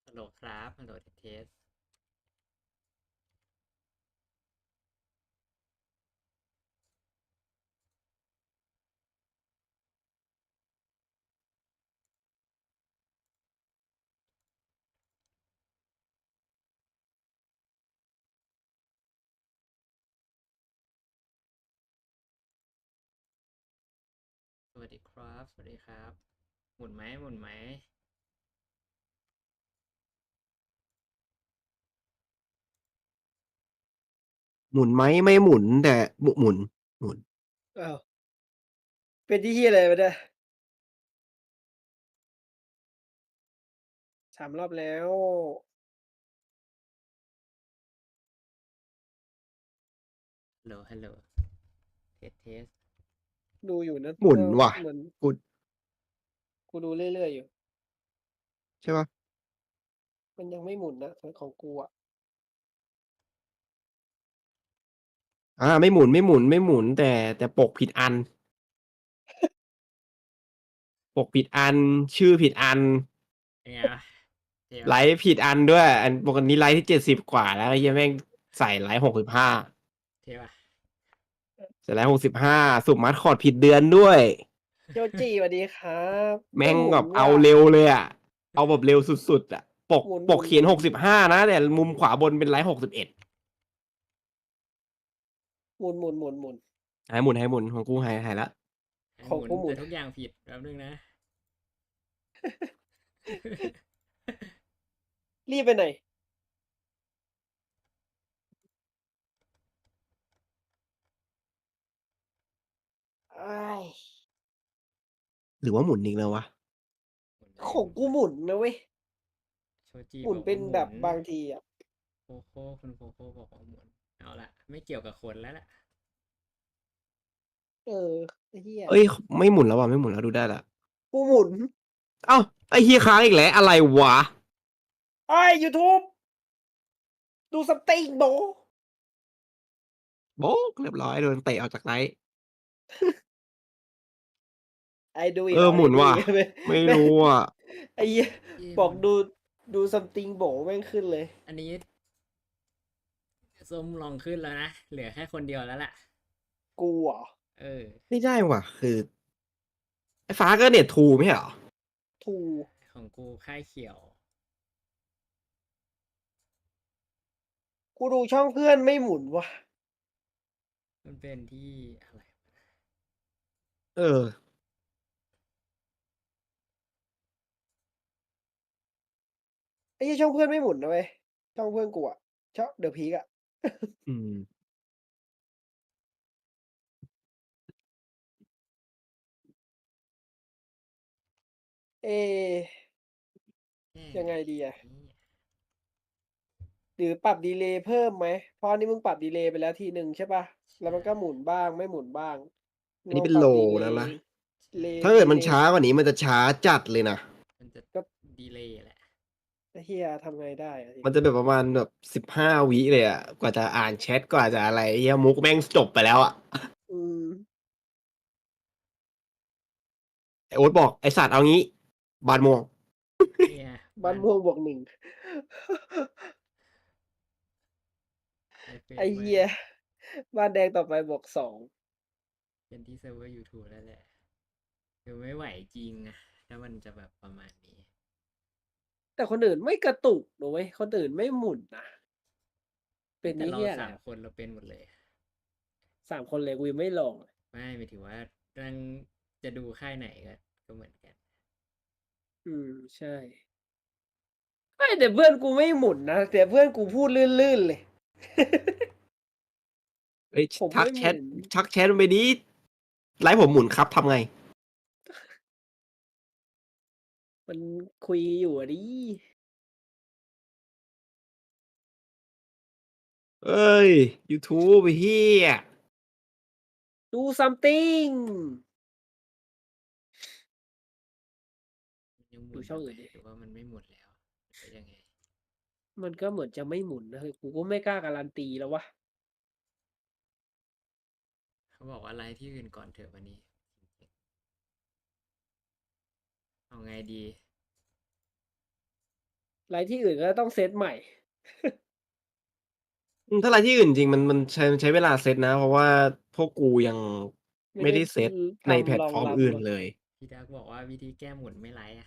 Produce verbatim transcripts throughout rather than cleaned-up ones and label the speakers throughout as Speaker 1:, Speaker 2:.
Speaker 1: ฮัลโหลครับฮัลโหลเทสเทสสวัสดีครับสวัสดีครับหมุนไหมหมุนไหม
Speaker 2: หมุนไหมไม่หมุนแต่หมุหมุนหมุน
Speaker 3: อ้าวเป็นที่เฮียอะไรวะเนี่ยสามรอบแล้ว
Speaker 1: ฮัลโหลฮัลโหลเทสเทส
Speaker 3: ดูอยู่นะ
Speaker 2: หมุน
Speaker 3: ว่า
Speaker 2: ว่ะ
Speaker 3: เหมือน
Speaker 2: กู
Speaker 3: กูดูเรื่อยๆอยู่
Speaker 2: ใช่ปะ
Speaker 3: มันยังไม่หมุนนะของกูอ่ะ
Speaker 2: อ่าไม่หมุนไม่หมุนไม่หมุนแต่แต่ปกผิดอันปกผิดอันชื่อผิดอัน
Speaker 1: เป็นไงวะเท
Speaker 2: ไล
Speaker 1: วะ
Speaker 2: ฟ์ผิดอันด้วยอันปกติไลฟ์ที่เจ็ดสิบกว่าแล้วไอ้เหี้ยังแม่งใส่ไลฟ์หกสิบห้า
Speaker 1: เทวะ
Speaker 2: ใส่ไลฟ์หกสิบห้าสุ่มมัดคอร์ดผิดเดือนด้วย
Speaker 3: โจจีสวัสดีครับไม่
Speaker 2: แม่ง
Speaker 3: หมุน
Speaker 2: แบบเอา
Speaker 3: ว่ะ
Speaker 2: เร็วเลยอ่ะเอาแบบเร็วสุดๆอ่ะปก
Speaker 3: หมุนห
Speaker 2: ป
Speaker 3: มุนหมุน
Speaker 2: กเขียนหกสิบห้านะแต่มุมขวาบนเป็นไลฟ์หกสิบเอ็ด
Speaker 3: หมุนหมุนหมุนหมุน
Speaker 2: ให้หมุนให้หมุนของกูหายหายละ
Speaker 1: ให้หมุน
Speaker 3: ของกูหมุน
Speaker 1: แต่ทุกอย่างผิดแป๊บนึงนะ
Speaker 3: รีบไปไหนอ้าย
Speaker 2: หรือว่าหมุนอีกแล้ววะ
Speaker 1: หมุนได้
Speaker 3: ของกู
Speaker 1: หมุนได้
Speaker 3: หมุนนะเว้ย
Speaker 1: โชจิ
Speaker 3: หมุน
Speaker 1: บอก
Speaker 3: เป็นแบบ
Speaker 1: ว่าหมุน
Speaker 3: บางทีอ่ะ
Speaker 1: โคโค่คุณโคโค่บอกว่าหมุนเอาละไม่เกี่ยวกับคนแล้วล่ะ
Speaker 3: เออไอ้เฮีย
Speaker 2: เอ้ยไม่หมุนแล้วว่ะไม่หมุนแล้วดูได้ละ
Speaker 3: กูหมุน
Speaker 2: เอ้าไอ้เฮียค้างอีกแล้วอะไรวะ
Speaker 3: ไอ้ยูทูบดูสติงโบ
Speaker 2: โบ๊กเรียบร้อยโดนเตะออกจากไลฟ์
Speaker 3: ไอ้ดู
Speaker 2: เอ
Speaker 3: อีกเหรอไอ้ดูอี
Speaker 2: อหมุนว่ะ
Speaker 3: กไหม
Speaker 2: ไม่
Speaker 3: แม่
Speaker 2: รู้อ่ะ
Speaker 3: ไอ้เหี้ย
Speaker 1: ที่มัน
Speaker 3: บอกดูดูซัมติงโบแม่งขึ้นเลย
Speaker 1: อันนี้ส้มลองขึ้นแล้วนะเหลือแค่คนเดียวแล้วล่ะ
Speaker 3: กูเหรอ
Speaker 1: เออ
Speaker 2: ไม่ได้ว่ะคือไอ้ฟ้าก็เน็ตทูไม่ใช่เหรอ
Speaker 3: ทู
Speaker 1: ของกูค่ายเขียว
Speaker 3: กูดูช่องเพื่อนไม่หมุนว่ะ
Speaker 1: มันเป็นที่อะไร
Speaker 2: เออ
Speaker 3: ไอ้เหี้ยช่องเพื่อนไม่หมุนนะเว้ยช่องเพื่อนกูอะช่องเดอะพีกอะ
Speaker 2: อืม
Speaker 3: เอะ
Speaker 1: แค่
Speaker 3: ยังไงดีอะ
Speaker 1: นี้
Speaker 3: หรือปรับดีเลย์เพิ่มไหมเพราะอันนี้มึงปรับดีเลย์ไปแล้วทีหนึ่งใช่ป่ะแล้ว
Speaker 1: ใช่
Speaker 3: มันก็หมุนบ้างไม่หมุนบ้างลอง
Speaker 2: อันนี้เป็นโล
Speaker 3: ปรับดีเลย์
Speaker 2: แล้วนะ
Speaker 3: เล
Speaker 1: ใช่
Speaker 2: ถ้าเกิด
Speaker 3: ดีเลย์
Speaker 2: มันช้ากว่านี้มันจะช้าจัดเลยนะ
Speaker 1: มันจะ
Speaker 3: ก็
Speaker 1: ดีเลย์แหละ
Speaker 3: ไอ้เฮียทำไงได้อะที
Speaker 2: มัน
Speaker 3: นี้
Speaker 2: จะแบบประมาณแบบสิบห้าวิเลยอ่ะกว่าจะอ่านแชทกว่าจะอะไรเฮียมุกแม่งจบไปแล้วอ่ะ
Speaker 3: อืม
Speaker 2: ไอโอ๊ตบอกไอสัตว์เอางี้บานม่วง
Speaker 1: เนี่ย
Speaker 3: บ้าน
Speaker 1: บ้าน
Speaker 3: ม่วงบวกหนึ่ง
Speaker 1: ในเฟซ
Speaker 3: ไอ้
Speaker 1: ใหม่
Speaker 3: เหี้ยบ้านแดงต่อไปบวกสอง
Speaker 1: เป็นที่เซิร์ฟเวอร์ YouTube แล้วแหละคือไม่ไหวจริงอะถ้ามันจะแบบประมาณนี้
Speaker 3: แต่คนอื่นไม่กระตุกหนูเว้ยคนอื่นไม่หมุนนะเป็น
Speaker 1: แต่เรา
Speaker 3: นี่เหี้ยอะไร
Speaker 1: สามคนเราเป็นหมดเลย
Speaker 3: สามคนเลยกูยังไม่ลองเลย
Speaker 1: ไม่หมายถึงว่าตั้งจะดูค่ายไหนก็ก็เหมือนกัน
Speaker 3: อืมใช่ไม่แต่เพื่อนกูไม่หมุนนะแต่เพื่อนกูพูดลื่นๆเลย
Speaker 2: เอ้ย
Speaker 3: ผม
Speaker 2: ทักแชท
Speaker 3: ไม่หมุน
Speaker 2: ทักแชทมันไปดิไลฟ์ผมหมุนครับทำไง
Speaker 3: มันคุยอยู่อะดิ
Speaker 2: เอ้ย YouTube ไอ้เฮีย
Speaker 3: ดู ซัมติง
Speaker 1: มันยังหมุ
Speaker 3: ดู
Speaker 1: นอยู่ไหม
Speaker 3: ช่องอื่นดิ
Speaker 1: หรือว่ามันไม่หมุนแล้วหรือยังไง
Speaker 3: มันก็เหมือนจะไม่หมุนนะกูก็ไม่กล้าการันตีแล้ววะ
Speaker 1: เขาบอกว่าไลฟ์ที่อื่นก่อนเถอะวันนี้เอาไงดี
Speaker 3: ไลฟ์ที่อื่นก็ต้องเซตใหม่
Speaker 2: อืมถ้าไรที่อื่นจริงมันมันใช้มันใช้เวลาเซตนะ เพราะว่าพวกกูยัง
Speaker 3: ไม่
Speaker 2: ไม่
Speaker 3: ได้
Speaker 2: ได้เซต
Speaker 3: อือ
Speaker 2: ใน
Speaker 3: ทำ
Speaker 2: แพลต
Speaker 3: รอง
Speaker 2: ฟอร์ม
Speaker 3: รับ
Speaker 2: อื่น
Speaker 3: เนาะ
Speaker 2: เลย
Speaker 1: พี่ดักบอกว่าวิธีแก้หมุนไม่ไลฟ์อะ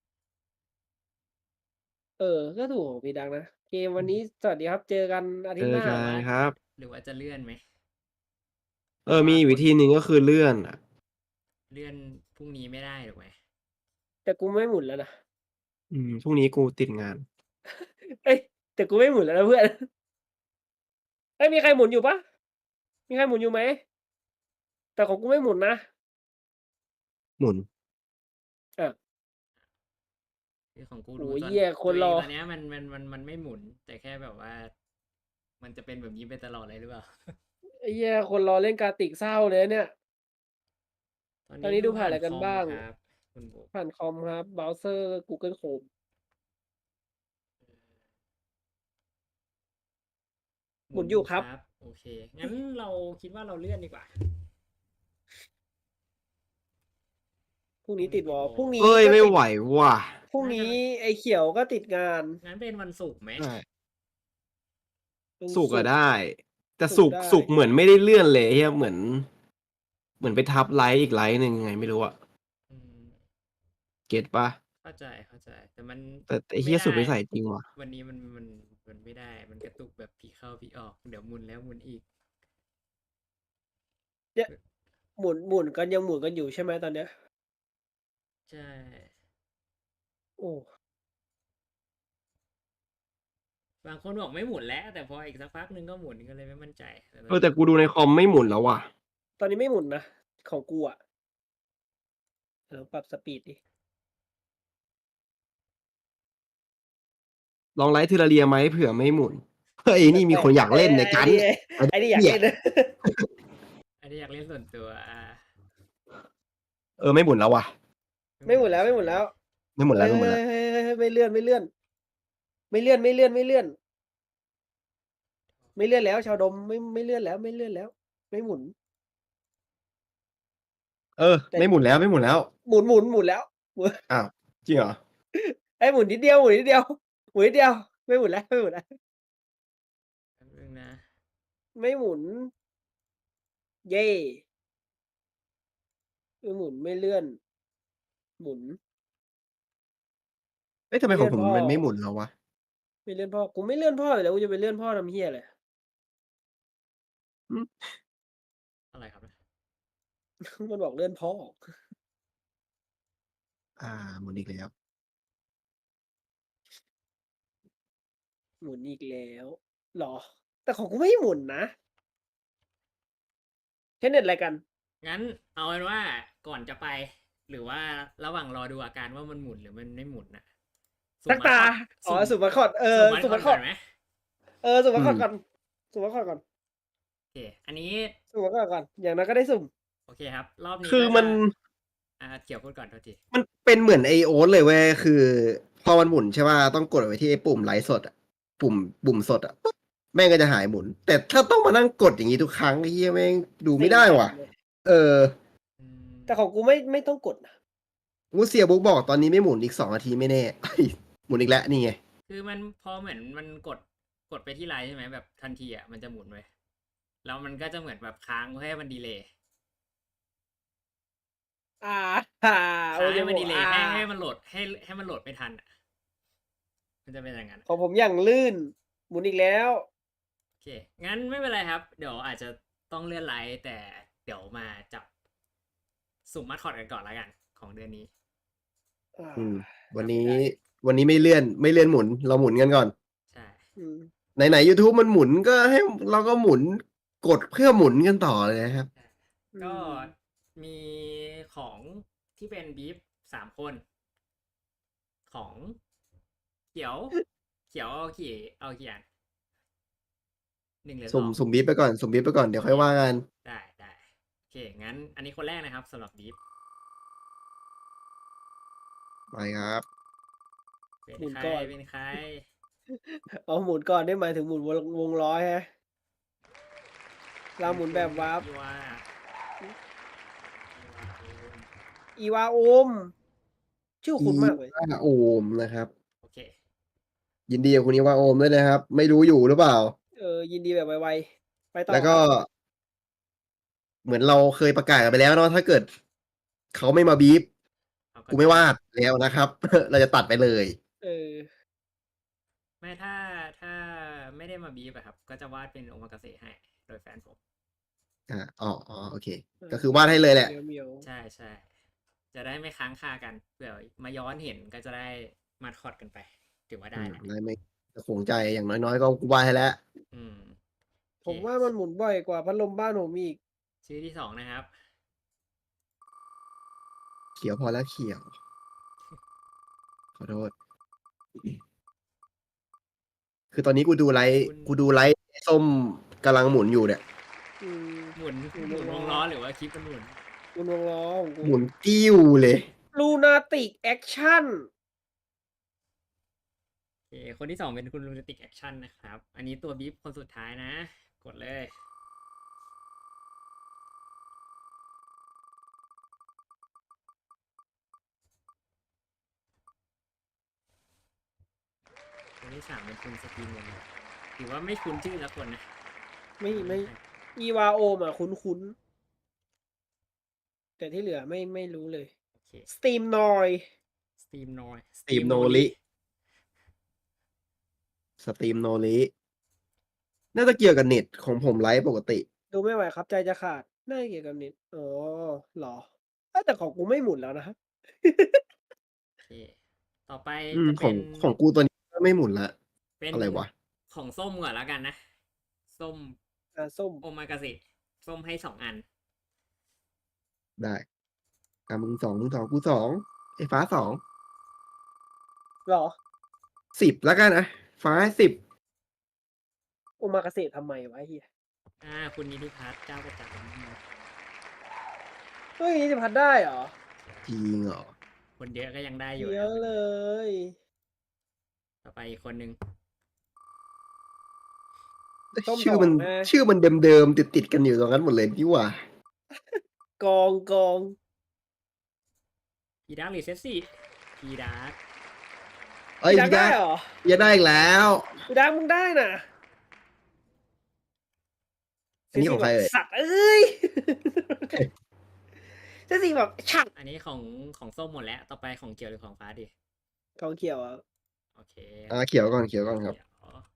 Speaker 3: เออ ก็ถูกของพี่ดักนะ เกม
Speaker 2: อ
Speaker 3: วันนี้สวัสดีครับ เจอกันอา
Speaker 2: เจ
Speaker 3: ทิตย์หน้า
Speaker 2: อกั
Speaker 1: หรือน ว่า
Speaker 2: ครับ
Speaker 1: หรือว่าจะเลื่อนไหม?
Speaker 2: เอ
Speaker 1: แบบ
Speaker 2: อ
Speaker 1: ว่
Speaker 2: มี
Speaker 1: า
Speaker 2: อีก
Speaker 1: ค
Speaker 2: วิธีหนึ่ง ก็คือเลื่อนอะ
Speaker 1: เลื่อนพรุ่งนี้ไม่ได้ถูกไหม?
Speaker 3: แต่กูไม่หมุนแล้วนะ
Speaker 2: อืม พรุ่งนี้กูติดงาน
Speaker 3: เฮ้ย แต่กูไม่หมุนแล้วนะเพื่อน เฮ้ย มีใครหมุนอยู่เปล่า? มีใครหมุนอยู่ไหม? แต่ของกูไม่หมุนนะ
Speaker 2: หมุน
Speaker 3: อ้าว
Speaker 1: คือของกู
Speaker 3: โอ้
Speaker 1: ดู
Speaker 3: โฮ
Speaker 1: ตอ
Speaker 3: เ
Speaker 1: น
Speaker 3: หี้ย ค
Speaker 1: ตัวน เอ
Speaker 3: รง อ
Speaker 1: ตอนเนี้ยมัน มัน มัน มันไม่หมุน แต่แค่แบบว่า มันจะเป็นแบบนี้ไปตลอดเลยหรือเปล่า?
Speaker 3: ไอ้เหี้ย คนรอเล่น Gartic เศร้าเลยนะเนี่ย
Speaker 1: ตอนน
Speaker 3: ตอนี้นี้ดู
Speaker 1: ดู
Speaker 3: ผ่า
Speaker 1: ผ่าน น
Speaker 3: อะไรกันบ้าง
Speaker 1: คอมครับคุณหมวก
Speaker 3: ผ่านคอมครับ เบราว์เซอร์ Google Chrome หมุนอยู่ครับ
Speaker 1: โอเค งั้นเราคิดว่าเราเลื่อนดีกว่า
Speaker 3: พรุ่ง
Speaker 1: พ
Speaker 3: นี้ติด วอล พรุ่งน
Speaker 2: เฮี
Speaker 3: ้
Speaker 2: ้ย
Speaker 3: ก็
Speaker 2: ไม่
Speaker 3: ติด
Speaker 2: ไหวว่ะ
Speaker 3: พรุ่ง
Speaker 1: น่า
Speaker 3: น
Speaker 1: จะ
Speaker 3: ี้ไอ้เขียวก็ติดงาน
Speaker 1: งั้นเป็นวันศุกร์ไหม?
Speaker 2: ใช่
Speaker 3: เป็น
Speaker 2: ศุกร์
Speaker 3: ศุ
Speaker 2: อะ
Speaker 3: กร์
Speaker 2: ได้ แต่
Speaker 3: ศุ
Speaker 2: ศุ
Speaker 3: กร์
Speaker 2: กร์
Speaker 3: ได้
Speaker 2: ศุกร์เหมือนไม่ได้เลื่อนเลย ไอ้เหี้ย เหมือน เหมือนไปทับไลฟ์อีกไลฟ์หนึ่ง ยังไงไม่รู้อะ
Speaker 1: อืม
Speaker 2: เก็ตเปล่า?
Speaker 1: เข้าใจ ๆ แต่มัน
Speaker 2: แต่ไอ้
Speaker 1: ไ
Speaker 2: เ
Speaker 1: ม
Speaker 2: หี้
Speaker 1: ่
Speaker 2: ย
Speaker 1: ได
Speaker 2: สุดวิ
Speaker 1: ้
Speaker 2: สัยจริงว่ะ
Speaker 1: วันนี้มัน มัน มันไม่ได้ มันกระตุกแบบผีเข้าผีออก เดี๋ยวหมุนแล้วหมุนอีก
Speaker 3: เยอะ
Speaker 1: อ
Speaker 3: หมุน หมุนกัน ยังหมุนกันอยู่ใช่ไหมตอนเนี้ย?
Speaker 1: ใช่
Speaker 3: โอ้
Speaker 1: บางคนบอกไม่หมุนแล้ว แต่พออีกสักพักหนึ่งก็หมุน ก็เลยไม่มั่นใจ แต่ตอ
Speaker 2: เออ แต่กูดูในคอมไม่หมุนแล้วว่ะ
Speaker 3: ตอนนี้ไม่หมุนนะ ของกูอะ ลองปรับสปีดดิ
Speaker 2: ลองไลฟ์ Terraria ไหม เผื่อไม่หมุน เฮ้ย นี่มีคนอยาก
Speaker 3: ไอ้
Speaker 2: เล่น
Speaker 3: ไ
Speaker 2: ไ
Speaker 3: อ
Speaker 2: อ้
Speaker 3: ้
Speaker 2: กั๊น
Speaker 3: นี่ไง
Speaker 2: ไอ้
Speaker 3: ไอ้นี่อยาก
Speaker 2: เหี้
Speaker 3: เ
Speaker 2: ย
Speaker 3: ล่น
Speaker 1: อันนี้อยากเล่นส่วนตัว อา
Speaker 2: เออ ไม่หมุนแล้วว่ะ
Speaker 3: ไม่หมุนแล้ว ไม่หมุนแล้ว
Speaker 2: ไม่หมุน
Speaker 3: เ
Speaker 2: แ
Speaker 3: ฮ
Speaker 2: ล้
Speaker 3: ้
Speaker 2: ว ไม่หมุนแล้ว
Speaker 3: ย ๆ ๆ ๆ ไม่เลื่อน ไม่เลื่อน ไม่เลื่อน ไม่เลื่อน ไม่เลื่อน ไม่เลื่อนแล้ว ชาวดม ไม่ ไม่เลื่อนแล้ว ไม่เลื่อนแล้ว ไม่หมุน
Speaker 2: เออ
Speaker 3: แต่
Speaker 2: ไม่หมุนแล้ว ไม่หมุนแล้ว
Speaker 3: หมุน หมุน หมุนแล้ว หมุน
Speaker 2: อ้าว จริงเหรอ?
Speaker 3: เฮ้ย หมุนนิดเดียว หมุนนิดเดียว หมุนนิดเดียว ไม่หมุนแล้ว ไม่หมุนแล้ว
Speaker 1: แป๊บหนึ่งนะ
Speaker 3: ไม่หมุน เย้ ไม่หมุน ไม่เลื่อน หมุน
Speaker 2: เอ๊ะ ทำไ
Speaker 3: ไ
Speaker 2: ม
Speaker 3: ม่เ
Speaker 2: ข
Speaker 3: ล
Speaker 2: องื่
Speaker 3: อนพ
Speaker 2: ผมม่ันไม่หมุ
Speaker 3: อ
Speaker 2: นแล้ววะ?
Speaker 3: ไม่เลื่อนพ่อ กูไม่เลื่อนพ่ออยู่แล้ว กูจะไปเลื่อนพ่อทำเหี้ยอะไร?
Speaker 2: หือ
Speaker 1: อะไรครับเนี่ย?
Speaker 3: มันบอกเลื่อนพ่อ
Speaker 2: อา หมุนอีกแล้ว
Speaker 3: หมุนอีกแล้ว เหรอ? แต่ของกูไม่หมุนนะ ใช้เน็ตอะไรกัน?
Speaker 1: งั้นเอาเป็นว่าก่อนจะไป หรือว่าระหว่างรอดูอาการว่ามันหมุนหรือมันไม่หมุนน่ะ สุ
Speaker 3: สั
Speaker 1: ่ม
Speaker 3: กตา
Speaker 1: Mascot
Speaker 3: อ๋อ
Speaker 1: สุ่ม
Speaker 3: สุ่ม Mascot เออ
Speaker 1: สุ่ม
Speaker 3: สุ่ม
Speaker 1: Mascot ก่อ
Speaker 3: Mascot
Speaker 1: นไหม?
Speaker 3: เออ สุ่ม
Speaker 2: อื
Speaker 3: Mascot
Speaker 2: ม
Speaker 3: ก่อน สุ่ม Mascot ก่อน
Speaker 1: โอเค อันนี้
Speaker 3: สุ่ม Mascot ก่อน อย่างน้อยก็ได้สุ่ม
Speaker 1: โอเคครับ รอบนี้
Speaker 2: คือ
Speaker 1: ก็
Speaker 2: มั
Speaker 1: จะ
Speaker 2: น
Speaker 1: อ่า เขียวพูดก่อน โทษที
Speaker 2: มันเป็นเหมือนไอ้โอ๊ตเลยเว้ย คือพอมันหมุนใช่เปล่า ต้องกดไว้ที่ไอ้ปุ่มไลฟ์สดอะ ปุ่ม ปุ่มสดอะ ปุ๊บ แม่งก็จะหายหมุน แต่ถ้าต้องมานั่งกดอย่างงี้ทุกครั้ง ไอ้เหี้ย แม่งดูไม่ได้ว่ะ เออ
Speaker 1: อืม
Speaker 3: แต่ของกูไม่ ไม่ต้องกดนะ
Speaker 2: อู้ เสียบุ๊กบอกตอนนี้ไม่หมุนอีก สอง นาทีไม่แน่ เฮ้ย หมุนอีกแล้ว นี่ไง
Speaker 1: คือมัน พอเหมือนมันกด กดไปที่ไลฟ์ใช่ไหม แบบทันทีอะมันจะหมุนเว้ย แล้วมันก็จะเหมือนแบบค้างเพื่อให้มันดีเลย์
Speaker 3: อา โอ
Speaker 1: ค้าง
Speaker 3: เค
Speaker 1: ให้มัน
Speaker 3: ผม
Speaker 1: ดีเล
Speaker 3: อ
Speaker 1: ย์ ให้ ให้
Speaker 3: า
Speaker 1: มันโหลด ให้ ให้มันโหลดไม่ทันอะ มันจะเป็นอย่างงั้น
Speaker 3: ของผมอย่างลื่น หมุนอีกแล้ว
Speaker 1: โอเค งั้นไม่เป็นไรครับ เดี๋ยวอาจจะต้องเลื่อนไลฟ์ แต่เดี๋ยวมาจับ สุ่ม Mascot กันก่อนแล้วกัน ของเดือนนี้
Speaker 3: อา
Speaker 2: อืม วันน
Speaker 3: จำไม่
Speaker 2: ี้
Speaker 3: ได้
Speaker 2: วันนี้ไม่เลื่อน ไม่เลื่อนหมุน เราหมุนกันก่อน
Speaker 1: ใช่
Speaker 3: อืม
Speaker 2: ไหน ๆ ยูทูบมันหมุน ก็ให้ เราก็หมุน กดเพื่อหมุนกันต่อเลยนะครับ
Speaker 1: ใช่
Speaker 3: อื
Speaker 1: ก็
Speaker 3: ม
Speaker 1: มีของที่เป็นบีฟ สาม คน ของเขียว เขียวเอากี่ เอากี่อัน? หนึ่ง หรือ
Speaker 2: สุ่ม
Speaker 1: สอง?
Speaker 2: สุ่มบีฟไปก่อน สุ่มบีฟไปก่อน เดี๋ยวค่อยว่ากัน
Speaker 1: ได้ ๆ โอเค งั้นอันนี้คนแรกนะครับสำหรับบีฟ
Speaker 2: ไปครับ
Speaker 1: เป็น
Speaker 3: หมุน
Speaker 1: ใคร
Speaker 3: ก่อน
Speaker 1: เป็นใคร?
Speaker 3: อ๋อ หมุนก่อน นี่หมายถึงหมุนวง วงล้อใช่ไหม? เราหมุนแบบวาร์ป
Speaker 1: อีวา
Speaker 3: อือ อีวาโอม ชื่อ
Speaker 2: อี
Speaker 3: คุ้นมากเลย
Speaker 2: วาโอมนะครับ
Speaker 1: โอเค
Speaker 2: ยินดีกับคุณนิวาโอมด้วยนะครับ ไม่รู้อยู่หรือเปล่า
Speaker 3: เออ ยินดีแบบไวๆไปต่อ
Speaker 2: แล้วก็
Speaker 3: ครับ
Speaker 2: เหมือนเราเคยประกาศกันไปแล้วเนาะถ้าเกิดเขาไม่มาบีบ
Speaker 1: เขาก็
Speaker 2: กูไม่
Speaker 1: จะ
Speaker 2: วาดแล้วนะครับ เราจะตัดไปเลย
Speaker 3: เออ
Speaker 1: ไม่ถ้าถ้าไม่ได้มาบีบอะครับ ก็จะวาดเป็นโอมากาเสะให้ โดยแฟนผม
Speaker 2: อ่าอ๋ออ๋อโอเค
Speaker 3: เออ
Speaker 2: ก็คือวาดให้เลยแหละ
Speaker 3: เหมียวเหมียว
Speaker 1: ใช่ใช่จะได้ไม่ค้างคากันเผื่อมาย้อนเห็นก็จะได้มาคอดกันไป ถือว่า
Speaker 2: อื
Speaker 1: ได้
Speaker 2: ม
Speaker 1: นะ
Speaker 2: ได้ไม่ขงใจอย่างน้อยๆก็กูวาดให้แล้ว
Speaker 1: อืมโอ
Speaker 3: ผม
Speaker 1: เค
Speaker 3: ว่ามันหมุนบ่อยกว่าพัดลมบ้านผมอีก
Speaker 1: ชื่อที่สองนะครับ
Speaker 2: เขียวพอแล้วเขียว ขอโทษ คือตอนนี้กูดูไลฟ์
Speaker 1: คุณ
Speaker 2: กูดูไลฟ์ส้มกำลังหมุนอยู่เนี่ย
Speaker 3: อืม
Speaker 1: หมุน
Speaker 3: หมุน
Speaker 1: หมุน
Speaker 3: ว
Speaker 1: ว
Speaker 3: ง
Speaker 1: ง
Speaker 3: ล้
Speaker 1: ล้
Speaker 3: อ
Speaker 1: อหรือว่าคลิปมันหมุน
Speaker 3: หมุนวงล้อของกู
Speaker 2: หมุนติ้วเลย
Speaker 3: ลูนาติกแอคชั่น
Speaker 1: โอเค คนที่สองเป็นคุณลูนาติกแอคชั่นนะครับ อันนี้ตัวบีฟคนสุดท้ายนะ กดเลย คนที่สามเป็นคุณสตีนเงินถือว่าไม่คุ้นชื่อละคนนะ
Speaker 3: ไม่ไม่ อีวาโอมอ่ะ คุ้นๆ แต่ที่เหลือไม่ไม่รู้เลย
Speaker 1: โอเค
Speaker 3: สตีมนอย
Speaker 1: สตรีมนอย
Speaker 2: สตรีมโนริ สตรีมโนริน่าจะเกี่ยวกับเน็ตของผมไลฟ์ปกติ
Speaker 3: ดูไม่ไหวครับใจจะขาด น่าจะเกี่ยวกับเน็ตอ๋อเหรอเอ้ยแต่ของกูไม่หมุนแล้วนะครับ
Speaker 1: โอเค ต่อไป
Speaker 2: อืม
Speaker 1: จะ
Speaker 2: ข
Speaker 1: เป็
Speaker 2: อง
Speaker 1: น
Speaker 2: ของกูตัวนี้ก็ไม่หมุนละ
Speaker 1: เป็น
Speaker 2: อะไรวะ
Speaker 1: ของส้มก่อนแล้วกันนะ ส้ม
Speaker 3: อ่าส้ม
Speaker 1: โอมากาเสะส้มให้สองอัน
Speaker 2: ได้อ่ะมึงสองมึงสองกูสองไอ้ฟ้าสอง
Speaker 3: เหรอ
Speaker 2: สิบแล้วกันนะฟ้าสิบ
Speaker 3: โอมากาเสะทำไมวะไอ้เฮีย
Speaker 1: อ่า คุณนิติพัฒน์เจ้าประจ
Speaker 3: เฮ้ยนี่จะพัดได้เหรอ
Speaker 2: จริงเหรอ
Speaker 1: ำคนเยอะก็ยังได้อยู่
Speaker 3: เย
Speaker 1: นะ
Speaker 3: อะเลย
Speaker 1: ต่อไปอีกคนหนึ่ง
Speaker 3: ส้ม
Speaker 2: ชื่อ
Speaker 3: ดอก
Speaker 2: มัน
Speaker 3: นะ
Speaker 2: ชื่อมันเดิมๆติดๆกันอยู่ตรงนั้นหมดเลยนี่หว่า
Speaker 3: กองกอง
Speaker 1: พีดาร์หรือเซฟซี่พีดาร์
Speaker 2: เอ้ย
Speaker 3: พี่ดัก
Speaker 2: พี่
Speaker 3: ได้
Speaker 2: ดา
Speaker 3: เหรอ
Speaker 2: อย่าได้อีกแล้ว
Speaker 3: พี่ดักมึงได้น่ะ
Speaker 2: อันนี้ของใครเอ่ย
Speaker 3: สัตว์เอ้ย เจสซี่แบบฉัก
Speaker 1: อันนี้ของของส้มหมดแล้ว ต่อไปของเขียวหรือของฟ้าดี
Speaker 3: กองเขียวอ่ะ
Speaker 1: โอเค
Speaker 2: อ่าเขียวก่อนเขียวก่อนครับ
Speaker 1: เขียว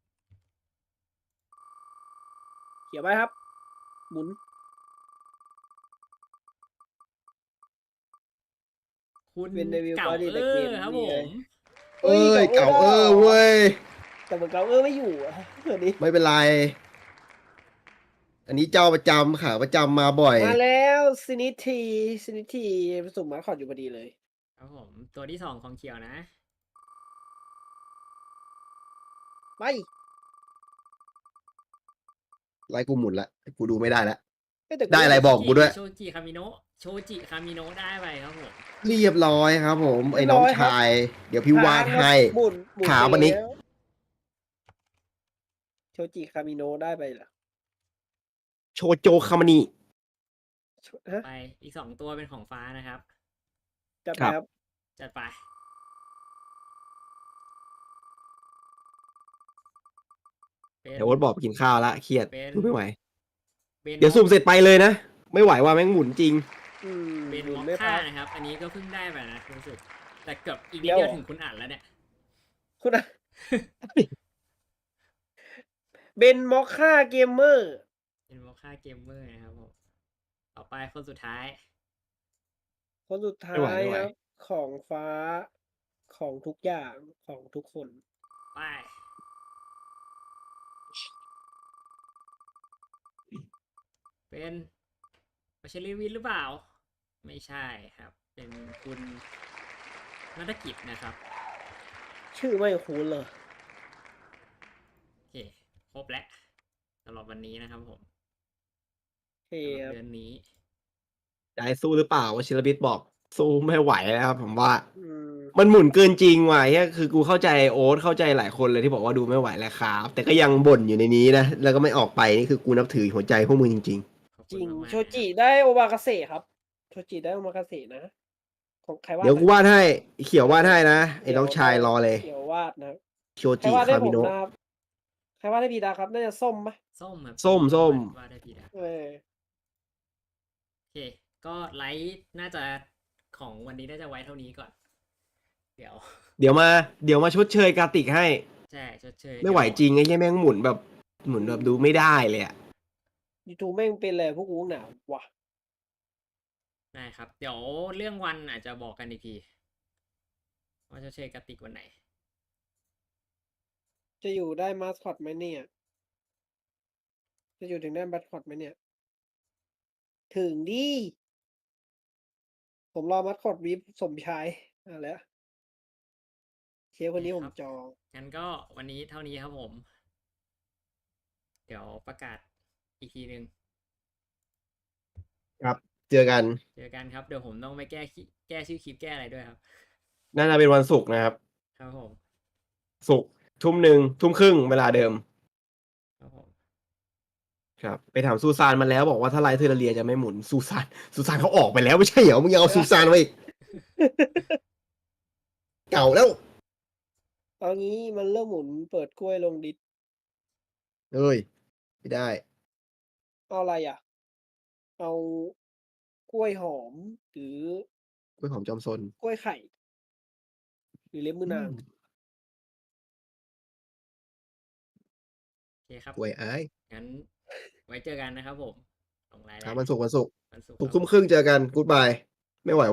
Speaker 3: เขียวไปครับ หมุน
Speaker 1: คุณ
Speaker 3: เป็นเดวิล
Speaker 1: เก่า
Speaker 3: บอดี้
Speaker 1: เอ
Speaker 3: แต่เก
Speaker 1: อ
Speaker 3: ม
Speaker 1: ครับ
Speaker 3: นี่
Speaker 1: ผ
Speaker 3: ไง
Speaker 1: ม
Speaker 2: เอ้ย
Speaker 3: เก่า
Speaker 2: เก่า
Speaker 3: เอ
Speaker 2: เอ
Speaker 3: อ
Speaker 2: อเว้ย
Speaker 3: แต่เหมือนเก่าเออไม่อยู่อ่ะเดี๋ยวนี้
Speaker 2: ไม่เป็นไร อันนี้เจ้าประจำขาประจำมาบ่อย
Speaker 3: มาแล้วซินิทีซินิทีสุ่มมาคอดอยู่พอดีเลย
Speaker 1: ครับผม ตัวที่สองของเขียวนะ
Speaker 3: ไป
Speaker 2: ไลฟ์กูหมุนละกูดูไม่ได้ละ
Speaker 3: เอ้ยแต่
Speaker 2: ได้อะไรบอกกูด้วย
Speaker 1: โชจิคามิโนะโชจิคามิโนะได้ไปครับผม
Speaker 2: เรียบร้อยครับผม ไอ้น้องชาย เดี๋ยวพี่วาดให้
Speaker 3: หมุนหมุน
Speaker 2: ถามวันนี้
Speaker 3: ไปแล้วโชจิคามิโนะได้ไปเหรอ
Speaker 2: โชโจคามานิ
Speaker 3: ฮะ
Speaker 1: ไปอีกสองตัวเป็นของฟ้านะครับ
Speaker 3: จัดไป
Speaker 2: ครับ
Speaker 3: ครับ
Speaker 1: จัดไป เป็น
Speaker 2: เดี๋ยวโอ๊ตบอกไปกินข้าวละเครียด
Speaker 1: เป็น
Speaker 2: ดูไม่ไหว
Speaker 1: เป็น
Speaker 2: เดี๋ยวสุ่มเสร็จไปเลยนะ ไม่ไหวว่าแม่งหมุนจริง
Speaker 3: อืม
Speaker 1: เป็น
Speaker 3: หมุ
Speaker 1: ม
Speaker 3: น
Speaker 1: อค
Speaker 3: ไม่
Speaker 1: ค่า
Speaker 3: พัก
Speaker 1: นะครับ อันนี้ก็เพิ่งได้ไปนะรู้สึก แต่เกือบอีก
Speaker 3: เดี๋
Speaker 1: นิด
Speaker 3: ยว
Speaker 1: เดียวถึงคุณอ่านแล้วเนี่ย
Speaker 3: คุณอะเบนมอคค่าเกมเมอร์
Speaker 1: เป็นมอคค่าเกมเมอร์นะครับผม ต่อไปคนสุดท้าย
Speaker 3: คนสุดท้า
Speaker 2: ไม่ไหวย ไม่ไหว
Speaker 3: ครับ ของฟ้าของทุกอย่างของทุกคน
Speaker 1: ไป เป็นวัชริวินหรือเปล่า ไม่ใช่ครับ เป็นคุณนัฐกิจนะครับ
Speaker 3: ชื่อไม่คุ้นเลย
Speaker 1: โอเค ครบแล้วสำหรับวันนี้นะครับผม
Speaker 3: เฮ้
Speaker 1: สำห
Speaker 3: ค
Speaker 1: รับ
Speaker 3: รับ
Speaker 1: เดือนนี้
Speaker 2: ได้สู้หรือเปล่าวชิรบิดบอก สู้ไม่ไหวแล้วครับผมว่า
Speaker 3: อืม
Speaker 2: มันหมุนเกินจริงว่ะเฮียคือกูเข้าใจโอ๊ตเข้าใจหลายคนเลยที่บอกว่าดูไม่ไหวแล้วครับ แต่ก็ยังบ่นอยู่ในนี้นะ แล้วก็ไม่ออกไปนี่คือกูนับถือหัวใจพวกมึงจริง
Speaker 1: ขอบ
Speaker 3: จ
Speaker 1: คุณ
Speaker 3: ริง
Speaker 1: มากๆ
Speaker 3: โชจิได้โอมากาเสะครับ โชจิได้โอมากาเสะนะ ของใคร
Speaker 2: ๆ
Speaker 3: วาด
Speaker 2: เดี๋ยวกู
Speaker 3: นะ
Speaker 2: วาดให้ไอ้เขียววาดให้นะไอ้น้องชายรอเลย
Speaker 3: เขียววาดนะ
Speaker 2: โช
Speaker 3: ใคร
Speaker 2: จิ
Speaker 3: วาดให้
Speaker 2: คา
Speaker 3: ผ
Speaker 2: มิ
Speaker 3: ม
Speaker 2: โนะ
Speaker 3: นะครับ ใครวาดให้พีดาครับ น่าจะส้มปะ
Speaker 1: ส้มครับ
Speaker 2: ส้ม ส้ม
Speaker 1: ว่าได้พีดา
Speaker 3: เออ
Speaker 1: โอเค ก็ไลฟ์น่าจะของวันนี้น่าจะไว้เท่านี้ก่อน เดี๋ยว
Speaker 2: เดี๋ยวมา เดี๋ยวมาชดเชยกาติกให้
Speaker 1: ใช่ชดเชย
Speaker 2: ไม่ไหว
Speaker 1: เดี๋ยว
Speaker 2: จริงไอ้เหี้ยแม่งหมุนแบบ หมุนแบบดูไม่ได้เลยอะ
Speaker 3: ยูทูบแม่งเป็นอะไรพวกกูหนาวว่ะ
Speaker 1: ได้ครับ เดี๋ยวเรื่องวันอาจจะบอกกันอีกทีว่าจะเชยกระติกวันไหน
Speaker 3: จะอยู่ได้มาสคอตไหมเนี่ย จะอยู่ถึงได้มาสคอตไหมเนี่ย ถึงดิ ผมรอมาสคอตวิปสมชายเอาแล้ว เชฟคนนี้ผมจอง
Speaker 1: งั้นก็วันนี้เท่านี้ครับผม เดี๋ยวประกาศอีกทีหนึ่ง
Speaker 2: ครับ เจอกัน
Speaker 1: เจอกันครับ เดี๋ยวผมต้องไปแก้คิแก้ชื่อคลิปแก้อะไรด้วยครับ
Speaker 2: น่าจะเป็นวันศุกร์นะครับ
Speaker 1: ครับผม
Speaker 2: ศุกร์ทุ่มหนึ่งทุ่มครึ่งเวลาเดิม
Speaker 1: ครับผม
Speaker 2: ครับ ไปถามซูซานมาแล้วบอกว่าถ้าไลท์เทอร์เรียจะไม่หมุนซูซานซูซานเขาออกไปแล้วไม่ใช่เหรอมึงยังเอาซูซานมาอีก เก่าแล้ว
Speaker 3: เอางี้มันเริ่มหมุนเปิดกล้วยลงดิส
Speaker 2: เอ้ย ไม่ได้
Speaker 3: เอาอะไรอ่ะ เอากล้วยหอม หรือก
Speaker 2: ล้วยหอมจอมซน
Speaker 3: กล้วยไข่ หรือเล็บมือนาง
Speaker 1: โอเคครับ
Speaker 2: กล้วยอ้าย
Speaker 1: งั้นไว้เจอกันนะครับผมลงไลน์
Speaker 2: ค
Speaker 1: แล้
Speaker 2: รับ
Speaker 1: ว
Speaker 2: วันศุกร์วันศุกร์
Speaker 1: วันศุกร์
Speaker 2: ศุกร์
Speaker 1: ครับ
Speaker 2: ทุ่มครึ่งเจอกันกู๊ดบาย ไม่ไหว